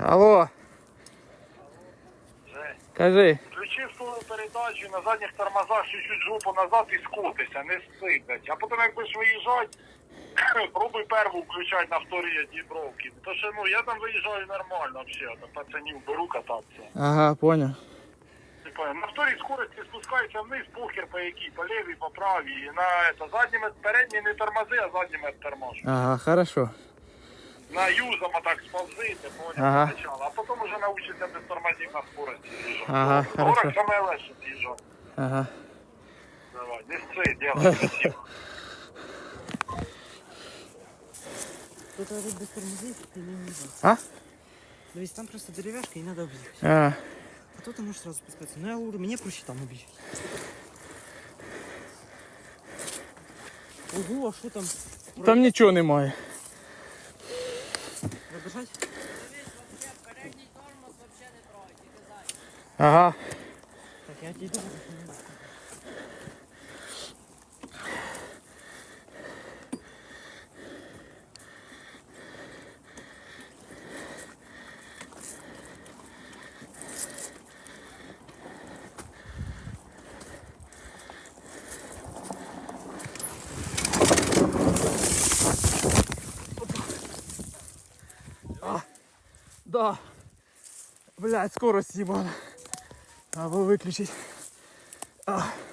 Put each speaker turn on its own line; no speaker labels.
Алло,
Жень,
кажи.
включи свою передачу на задніх тормозах чуть-чуть жопу назад і скотися, не стигать. А потім як будеш виїжджати, пробуй перву включати на вторі дібровки. То що, ну, я там виїжджаю нормально взагалі, там пацанів беру кататися.
Ага, понял.
Типа, на вторій скорості спускається вниз, похер по якій, по лівій, по правій. І на это, задніми, передні не тормози, а задніми тормози.
Ага, хорошо.
На юзом так сползити, понял,
Ага.
спочатку. А потім вже навчиться без тормозів на скорості з'їжджати.
Ага,
Горок
хорошо.
саме легше з'їжджати.
Ага.
Давай, не сцей, делай, красиво.
Тут надо без тормозов и не нужно.
А?
Дивись, там просто деревяшка и надо объехать.
А,
А то ты можешь сразу спускаться. Ну я говорю, мне проще там убить. Ого, а что там?
там нічого немає.
Забежать?
Ага.
Так, я отойду.
Да. Блядь, скорость ебана. Надо было выключить.